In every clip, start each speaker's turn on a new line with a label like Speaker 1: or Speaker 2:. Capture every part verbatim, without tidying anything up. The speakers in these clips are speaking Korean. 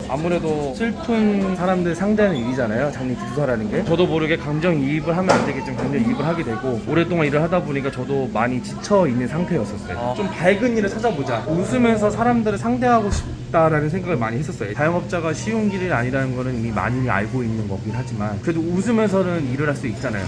Speaker 1: 아무래도 슬픈 사람들 상대하는 일이잖아요, 장례 기수사라는 게. 저도 모르게 감정이입을 하면 안 되겠지만 감정이입을 하게 되고, 오랫동안 일을 하다 보니까 저도 많이 지쳐있는 상태였었어요.
Speaker 2: 아.
Speaker 1: 좀 밝은 일을 찾아보자, 웃으면서 사람들을 상대하고 싶다라는 생각을 많이 했었어요. 자영업자가 쉬운 길이 아니라는 거는 이미 많이 알고 있는 거긴 하지만, 그래도 웃으면서는 일을 할 수 있잖아요.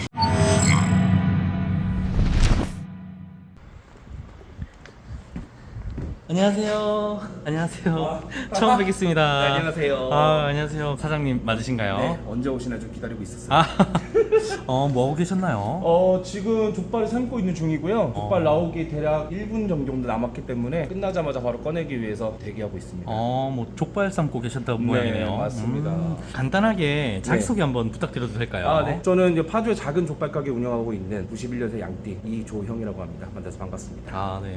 Speaker 2: 안녕하세요. 안녕하세요. 처음 뵙겠습니다.
Speaker 1: 네, 안녕하세요.
Speaker 2: 아, 안녕하세요. 사장님 맞으신가요?
Speaker 1: 네, 언제 오시나 좀 기다리고 있었어요.
Speaker 2: 아, 어, 뭐 하고 계셨나요?
Speaker 1: 어, 지금 족발을 삶고 있는 중이고요. 족발 나오기 대략 일 분 정도 남았기 때문에 끝나자마자 바로 꺼내기 위해서 대기하고 있습니다.
Speaker 2: 어, 뭐 족발 삶고 계셨다는
Speaker 1: 네,
Speaker 2: 모양이네요.
Speaker 1: 맞습니다.
Speaker 2: 음, 간단하게 자기소개
Speaker 1: 네.
Speaker 2: 한번 부탁드려도 될까요?
Speaker 1: 아, 네. 저는 이제 파주의 작은 족발 가게 운영하고 있는 구십일 년생 양띠 이조형이라고 합니다. 만나서 반갑습니다.
Speaker 2: 아, 네.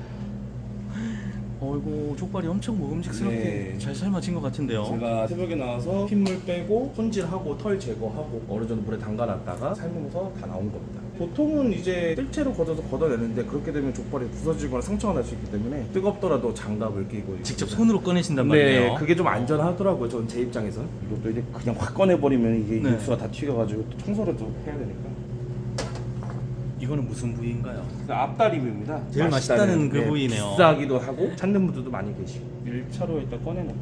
Speaker 2: 어이구, 족발이 엄청 먹음직스럽게
Speaker 1: 네.
Speaker 2: 잘 삶아진 것 같은데요.
Speaker 1: 제가 새벽에 나와서 핏물 빼고 손질하고 털 제거하고 어느 정도 물에 담가놨다가 삶으면서 다 나온 겁니다. 보통은 이제 뜰채로 걷어서 걷어내는데, 그렇게 되면 족발이 부서지거나 상처가 날 수 있기 때문에 뜨겁더라도 장갑을 끼고
Speaker 2: 직접 손으로 꺼내신단
Speaker 1: 네,
Speaker 2: 말이에요.
Speaker 1: 그게 좀 안전하더라고요. 저는 제 입장에선. 이것도 이제 그냥 확 꺼내버리면 이게
Speaker 2: 네.
Speaker 1: 육수가 다 튀겨가지고 또 청소를 또 해야 되니까.
Speaker 2: 이거는 무슨 부위인가요?
Speaker 1: 앞다리입니다.
Speaker 2: 제일 맛있다는 그 부위네요.
Speaker 1: 비싸기도 하고 찾는 분들도 많이 계시고. 일 차로 일단 꺼내놓고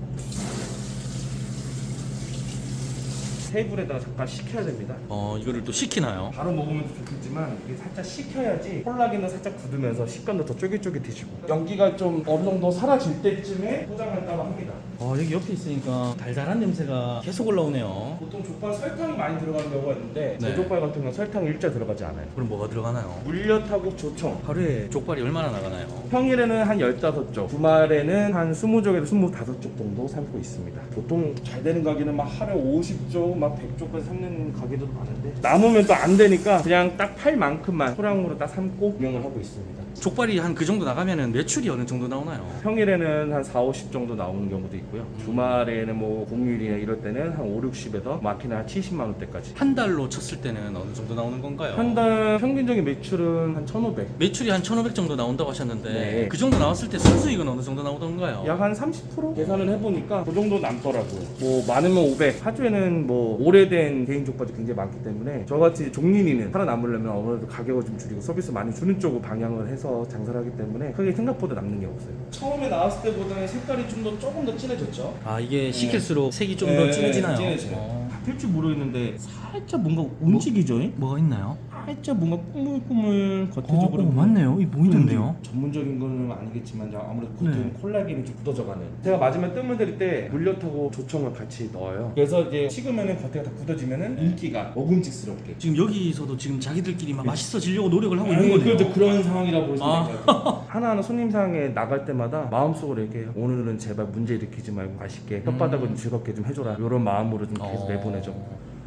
Speaker 1: 테이블에다가 잠깐 식혀야 됩니다.
Speaker 2: 어, 이거를 또 식히나요?
Speaker 1: 바로 먹으면 좋겠지만 이게 살짝 식혀야지 콜라겐은 살짝 굳으면서 식감도 더 쫄깃쫄깃해지고, 연기가 좀 어느 정도 사라질 때쯤에 포장할까 합니다.
Speaker 2: 어, 여기 옆에 있으니까 달달한 냄새가 계속 올라오네요.
Speaker 1: 보통 족발 설탕이 많이 들어가는 경우가 있는데
Speaker 2: 네.
Speaker 1: 제 족발 같은 경우는 설탕이 일자 들어가지 않아요.
Speaker 2: 그럼 뭐가 들어가나요?
Speaker 1: 물엿하고 조청.
Speaker 2: 하루에 족발이 얼마나 나가나요?
Speaker 1: 평일에는 한 열다섯 쪽, 주말에는 한 스무 쪽에서 스물다섯 쪽 정도 삶고 있습니다. 보통 잘 되는 가게는 막 하루에 오십 쪽, 막 백 쪽까지 삶는 가게도 많은데, 남으면 또 안 되니까 그냥 딱 팔 만큼만 소량으로 딱 삶고 운영을 하고 있습니다.
Speaker 2: 족발이 한 그 정도 나가면은 매출이 어느 정도 나오나요?
Speaker 1: 평일에는 한 사오십 정도 나오는 경우도 있고요. 주말에는 뭐 공휴일이나 이럴 때는 한 오육십에서 많게는 한 칠십만 원대까지.
Speaker 2: 한 달로 쳤을 때는 어느 정도 나오는 건가요?
Speaker 1: 한 달 평균적인 매출은 한 천오백.
Speaker 2: 매출이 한 천오백 정도 나온다고 하셨는데
Speaker 1: 네.
Speaker 2: 그 정도 나왔을 때 순수익은 어느 정도 나오던가요?
Speaker 1: 약 한 삼십 퍼센트 계산을 해보니까 그 정도 남더라고요. 뭐 많으면 오백. 파주에는 뭐 오래된 개인 족발이 굉장히 많기 때문에 저같이 종린이는 살아남으려면 아무래도 가격을 좀 줄이고 서비스 많이 주는 쪽으로 방향을 해서 장사를 하기 때문에 크게 생각보다 남는 게 없어요. 처음에 나왔을 때보다는 색깔이 좀 더 조금 더 진해졌죠.
Speaker 2: 아, 이게 식힐수록 색이 좀 더
Speaker 1: 네,
Speaker 2: 진해지나요?
Speaker 1: 진해져요.
Speaker 2: 어.
Speaker 1: 바뀔 줄 모르겠는데 살짝 뭔가 움직이죠.
Speaker 2: 뭐가 있나요?
Speaker 1: 살짝 뭔가 꾸물꾸물 겉에적으로.
Speaker 2: 어, 어, 맞네요. 이 보이던데요?
Speaker 1: 전문적인 거는 아니겠지만 아무래도 겉에
Speaker 2: 네.
Speaker 1: 콜라겐이 좀 굳어져가는. 제가 마지막에 뜸을 들일 때 물엿하고 조청을 같이 넣어요. 그래서 이제 식으면은 겉에가 다 굳어지면은 인기가 먹음직스럽게.
Speaker 2: 지금 여기서도 지금 자기들끼리 막 맛있어지려고 노력을 하고
Speaker 1: 아니,
Speaker 2: 있는 거네요.
Speaker 1: 그렇죠. 그런 상황이라고 보시면
Speaker 2: 아.
Speaker 1: 될 것 같아요. 하나하나 손님상에 나갈 때마다 마음속으로 얘기해요. 오늘은 제발 문제 일으키지 말고 맛있게 혓바닥을 좀 즐겁게 좀 해줘라. 이런 마음으로 좀 계속
Speaker 2: 어.
Speaker 1: 내보내죠.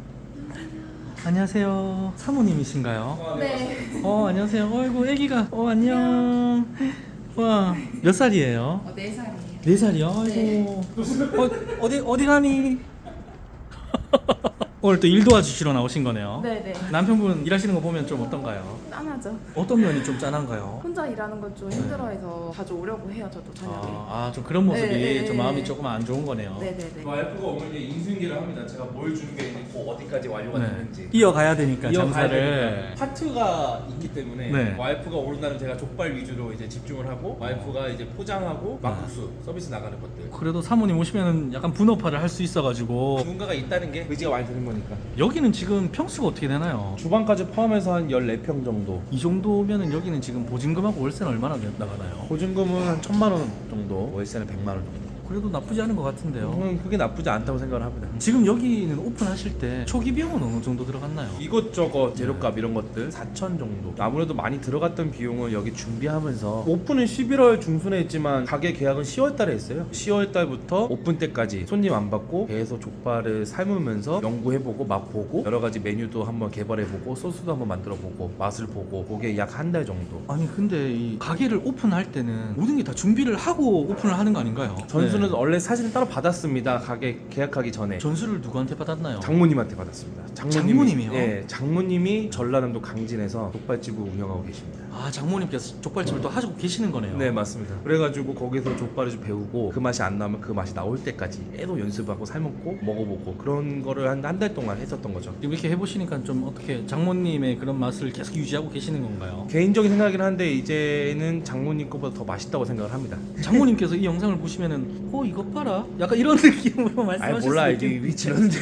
Speaker 2: 안녕하세요. 사모님이신가요?
Speaker 3: 네.
Speaker 2: 어, 안녕하세요. 어이구, 애기가. 어, 안녕. 와, 몇 살이에요?
Speaker 3: 어, 네 살이에요.
Speaker 2: 네 살이요? 아이고. 어, 어디, 어디 가니? 오늘 또 일 도와주시러 나오신 거네요.
Speaker 3: 네네.
Speaker 2: 남편분 일하시는 거 보면 좀 어떤가요?
Speaker 3: 짠하죠.
Speaker 2: 어떤 면이 좀 짠한가요?
Speaker 3: 혼자 일하는 건 좀 힘들어해서 자주 오려고 해요, 저도 저녁에.
Speaker 2: 아, 아, 좀 그런 모습이
Speaker 3: 네, 네,
Speaker 2: 좀
Speaker 3: 네,
Speaker 2: 마음이
Speaker 3: 네.
Speaker 2: 조금 안 좋은 거네요.
Speaker 3: 네네네.
Speaker 1: 와이프가 오면 이제 인수인계를 합니다. 제가 뭘 준비했는지, 그 어디까지 완료가
Speaker 2: 네.
Speaker 1: 됐는지.
Speaker 2: 이어가야 되니까
Speaker 1: 이어가야
Speaker 2: 장사를.
Speaker 1: 되니까. 파트가 있기 때문에
Speaker 2: 네.
Speaker 1: 와이프가 오는 날은 제가 족발 위주로 이제 집중을 하고, 와이프가 이제 포장하고
Speaker 2: 네.
Speaker 1: 막국수 서비스 나가는 것들.
Speaker 2: 그래도 사모님 오시면 약간 분업화를 할 수 있어가지고.
Speaker 1: 누군가가 있다는 게 의지가 많이 드는 거니까.
Speaker 2: 여기는 지금 평수가 어떻게 되나요?
Speaker 1: 주방까지 포함해서 한 열네 평 정도.
Speaker 2: 이 정도면은 여기는 지금 보증금하고 월세는 얼마나 나가나요?
Speaker 1: 보증금은 한 천만 원 정도, 월세는 백만 원 정도.
Speaker 2: 그래도 나쁘지 않은 것 같은데요.
Speaker 1: 저는 그게 나쁘지 않다고 생각을 합니다.
Speaker 2: 지금 여기는 오픈하실 때 초기 비용은 어느 정도 들어갔나요?
Speaker 1: 이것저것 재료값 이런 것들 사천 정도. 아무래도 많이 들어갔던 비용을 여기 준비하면서, 오픈은 십일월 중순에 했지만 가게 계약은 시월 달에 했어요. 시월 달부터 오픈 때까지 손님 안 받고 계속 족발을 삶으면서 연구해보고 맛보고 여러 가지 메뉴도 한번 개발해보고 소스도 한번 만들어보고 맛을 보고, 그게 약 한 달 정도.
Speaker 2: 아니 근데 이 가게를 오픈할 때는 모든 게 다 준비를 하고 오픈을 하는 거 아닌가요?
Speaker 1: 전수는
Speaker 2: 네.
Speaker 1: 원래 사실은 따로 받았습니다. 가게 계약하기 전에.
Speaker 2: 전수를 누구한테 받았나요?
Speaker 1: 장모님한테 받았습니다. 장모님이,
Speaker 2: 장모님이요?
Speaker 1: 예, 장모님이 전라남도 강진에서 족발집을 운영하고 계십니다.
Speaker 2: 아, 장모님께서 족발집을 또 하시고 계시는 거네요.
Speaker 1: 네, 맞습니다. 그래가지고 거기서 족발을 좀 배우고 그 맛이 안 나면 그 맛이 나올 때까지 계속 연습하고 삶았고 먹어보고 그런 거를 한 한 달 동안 했었던 거죠.
Speaker 2: 이렇게 해보시니까 좀 어떻게 장모님의 그런 맛을 계속 유지하고 계시는 건가요?
Speaker 1: 개인적인 생각이긴 한데 이제는 장모님 거보다 더 맛있다고 생각을 합니다.
Speaker 2: 장모님께서 이 영상을 보시면은 어 이것 봐라 약간 이런 느낌으로
Speaker 1: 아니
Speaker 2: 말씀하실
Speaker 1: 몰라
Speaker 2: 수
Speaker 1: 이제
Speaker 2: 있겠...
Speaker 1: 위치는데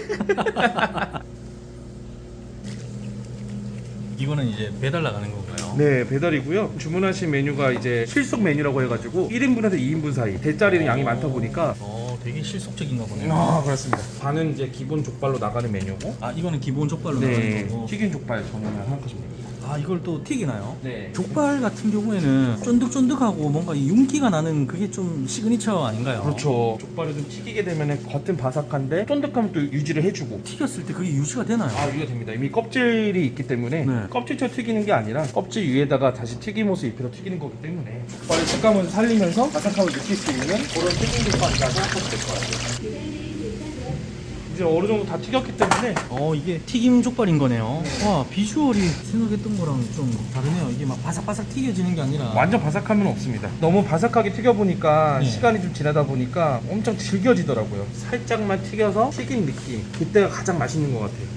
Speaker 2: 이거는 이제 배달 나가는 건가요?
Speaker 1: 네, 배달이고요. 주문하신 메뉴가 이제 실속 메뉴라고 해가지고 일 인분에서 이 인분 사이 대짜리는 양이 많다 보니까
Speaker 2: 어 되게 실속적인가 보네요.
Speaker 1: 아 그렇습니다. 반은 이제 기본 족발로 나가는 메뉴고
Speaker 2: 아 이거는 기본 족발로
Speaker 1: 네,
Speaker 2: 나가는 거고.
Speaker 1: 튀긴 족발 전문을 생각하시면 됩니다.
Speaker 2: 아 이걸 또 튀기나요?
Speaker 1: 네.
Speaker 2: 족발 같은 경우에는 쫀득쫀득하고 뭔가 이 윤기가 나는 그게 좀 시그니처 아닌가요?
Speaker 1: 그렇죠. 족발을 좀 튀기게 되면 겉은 바삭한데 쫀득함을 또 유지를 해주고
Speaker 2: 튀겼을 때 그게 유지가 되나요?
Speaker 1: 아 유지가 됩니다. 이미 껍질이 있기 때문에
Speaker 2: 네.
Speaker 1: 껍질째 튀기는 게 아니라 껍질 위에다가 다시 튀김옷을 입혀서 튀기는 거기 때문에 족발의 식감을 살리면서 바삭함을 느낄 수 있는 그런 튀김 족발이라고 하시면 될 것 같아요. 이제 어느 정도 다 튀겼기 때문에
Speaker 2: 어 이게 튀김 족발인 거네요. 와 비주얼이 생각했던 거랑 좀 다르네요. 이게 막 바삭바삭 튀겨지는 게 아니라
Speaker 1: 완전 바삭함은 없습니다. 너무 바삭하게 튀겨보니까
Speaker 2: 네.
Speaker 1: 시간이 좀 지나다 보니까 엄청 질겨지더라고요. 살짝만 튀겨서 튀긴 느낌, 그때가 가장 맛있는 것 같아요.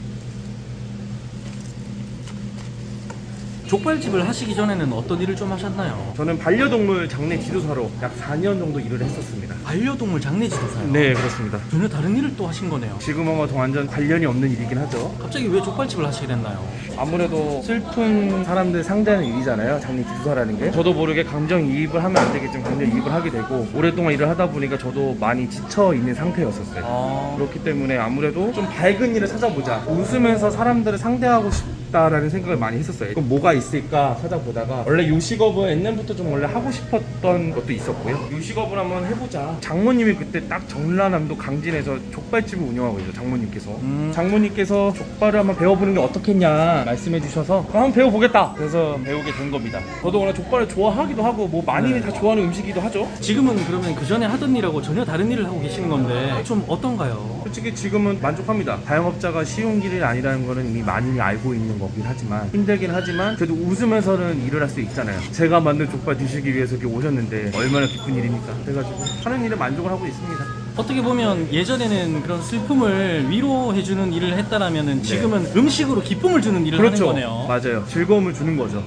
Speaker 2: 족발집을 하시기 전에는 어떤 일을 좀 하셨나요?
Speaker 1: 저는 반려동물 장례 지도사로 약 사 년 정도 일을 했었습니다.
Speaker 2: 반려동물 장례 지도사요?
Speaker 1: 네, 그렇습니다.
Speaker 2: 전혀 다른 일을 또 하신 거네요.
Speaker 1: 지금은 더 완전 관련이 없는 일이긴 하죠.
Speaker 2: 갑자기 왜 족발집을 하시게 됐나요?
Speaker 1: 아무래도 슬픈 사람들 상대하는 일이잖아요. 장례 지도사라는 게. 저도 모르게 감정이입을 하면 안 되겠지만 감정이입을 하게 되고 오랫동안 일을 하다 보니까 저도 많이 지쳐 있는 상태였었어요.
Speaker 2: 아...
Speaker 1: 그렇기 때문에 아무래도 좀 밝은 일을 찾아보자. 웃으면서 사람들을 상대하고 싶다라는 생각을 많이 했었어요. 그럼 뭐가 있을까 찾아보다가 원래 요식업은 옛날부터 좀 원래 하고 싶었던 것도 있었고요. 요식업을 한번 해보자. 장모님이 그때 딱 전라남도 강진에서 족발집을 운영하고 있어요. 장모님께서.
Speaker 2: 음...
Speaker 1: 장모님께서 족발을 한번 배워보는 게 어떻겠냐 말씀해 주셔서 그럼 한번 배워보겠다. 그래서 배우게 된 겁니다. 저도 워낙 족발을 좋아하기도 하고 뭐 많이
Speaker 2: 네.
Speaker 1: 다 좋아하는 음식이기도 하죠.
Speaker 2: 지금은 그러면 그 전에 하던 일하고 전혀 다른 일을 하고 계시는 건데 좀 어떤가요?
Speaker 1: 솔직히 지금은 만족합니다. 자영업자가 쉬운 길이 아니라는 거는 이미 많이 알고 있는 거긴 하지만 힘들긴 하지만 그래도 웃으면서는 일을 할 수 있잖아요. 제가 만든 족발 드시기 위해서 이렇게 오셨는데 얼마나 기쁜 일입니까? 그래가지고 하는 일에 만족을 하고 있습니다.
Speaker 2: 어떻게 보면 예전에는 그런 슬픔을 위로해주는 일을 했다라면은 지금은 음식으로 기쁨을 주는 일을
Speaker 1: 그렇죠.
Speaker 2: 하는 거네요.
Speaker 1: 맞아요. 즐거움을 주는 거죠.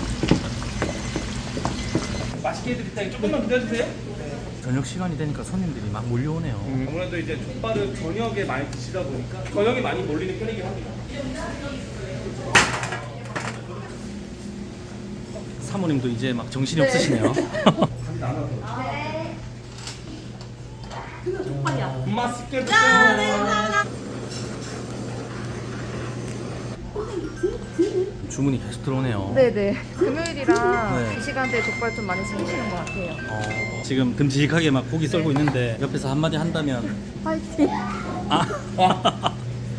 Speaker 1: 맛있게 해드릴 테니 조금만 기다려주세요.
Speaker 2: 저녁 시간이 되니까 손님들이 막 몰려오네요.
Speaker 1: 음, 아무래도 이제 족발을 저녁에 많이 드시다 보니까 저녁에 많이 몰리는 편이긴 합니다.
Speaker 2: 사모님도 이제 막 정신이
Speaker 3: 네.
Speaker 2: 없으시네요.
Speaker 3: 족발이야.
Speaker 1: 맛있게 드세요.
Speaker 2: 주문이 계속 들어오네요.
Speaker 3: 네네. 금요일이라
Speaker 2: 네.
Speaker 3: 이 시간대에 족발 좀 많이 시키시는 것 같아요.
Speaker 2: 어, 지금 듬직하게 막 고기 썰고 있는데 옆에서 한마디 한다면
Speaker 3: 파이팅.
Speaker 2: 아.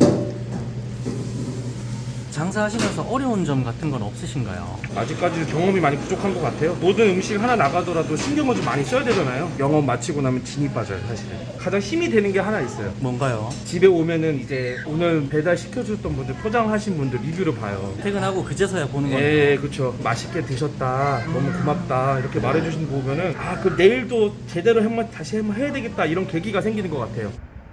Speaker 2: 장사하시면서 어려운 점 같은 건 없으신가요?
Speaker 1: 아직까지 경험이 많이 부족한 것 같아요. 모든 음식 하나 나가더라도 신경을 좀 많이 써야 되잖아요. 영업 마치고 나면 진이 빠져요, 사실은. 가장 힘이 되는 게 하나 있어요.
Speaker 2: 뭔가요?
Speaker 1: 집에 오면은 이제 오늘 배달 시켜주셨던 분들, 포장하신 분들 리뷰를 봐요.
Speaker 2: 퇴근하고 그제서야 보는 거예요.
Speaker 1: 예, 그쵸. 맛있게 드셨다. 너무 고맙다. 이렇게 말해주신 거 보면은, 아, 그 내일도 제대로 한번 다시 한번 해야 되겠다. 이런 계기가 생기는 것 같아요.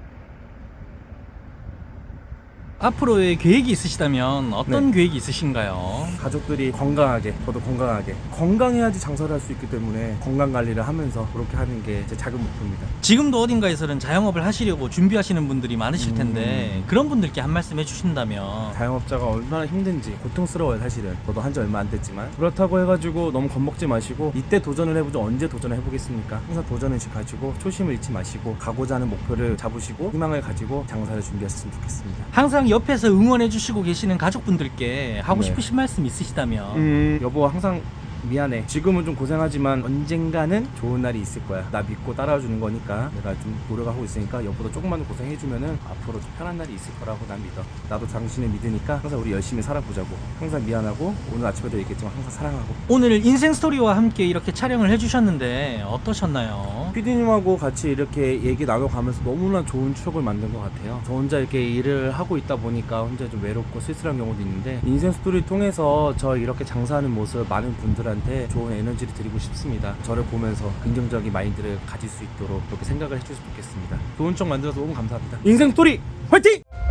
Speaker 2: 앞으로의 계획이 있으시다면 어떤
Speaker 1: 네.
Speaker 2: 계획이 있으신가요?
Speaker 1: 가족들이 건강하게, 저도 건강하게. 건강해야지 장사를 할 수 있기 때문에 건강 관리를 하면서 그렇게 하는 게 제 작은 목표입니다.
Speaker 2: 지금도 어딘가에서는 자영업을 하시려고 준비하시는 분들이 많으실 텐데
Speaker 1: 음.
Speaker 2: 그런 분들께 한 말씀 해주신다면
Speaker 1: 자영업자가 얼마나 힘든지 고통스러워요, 사실은. 저도 한 지 얼마 안 됐지만. 그렇다고 해가지고 너무 겁먹지 마시고 이때 도전을 해보죠. 언제 도전을 해보겠습니까? 항상 도전의식 가지고 초심을 잃지 마시고 가고자 하는 목표를 잡으시고 희망을 가지고 장사를 준비하셨으면 좋겠습니다.
Speaker 2: 항상 옆에서 응원해 주시고 계시는 가족분들께 하고
Speaker 1: 네.
Speaker 2: 싶으신 말씀 있으시다면
Speaker 1: 음, 여보 항상 미안해. 지금은 좀 고생하지만 언젠가는 좋은 날이 있을 거야. 나 믿고 따라와주는 거니까 내가 좀 노력하고 있으니까 여보도 조금만 고생해주면은 앞으로 좀 편한 날이 있을 거라고 난 믿어. 나도 당신을 믿으니까 항상 우리 열심히 살아보자고. 항상 미안하고 오늘 아침에도 얘기했지만 항상 사랑하고.
Speaker 2: 오늘 인생 스토리와 함께 이렇게 촬영을 해주셨는데 어떠셨나요?
Speaker 1: 피디님하고 같이 이렇게 얘기 나눠가면서 너무나 좋은 추억을 만든 것 같아요. 저 혼자 이렇게 일을 하고 있다 보니까 혼자 좀 외롭고 쓸쓸한 경우도 있는데 인생 스토리를 통해서 저 이렇게 장사하는 모습 많은 분들한테 좋은 에너지를 드리고 싶습니다. 저를 보면서 긍정적인 마인드를 가질 수 있도록 그렇게 생각을 해주셨으면 좋겠습니다. 좋은 추억 만들어서 너무 감사합니다. 인생 스토리 화이팅!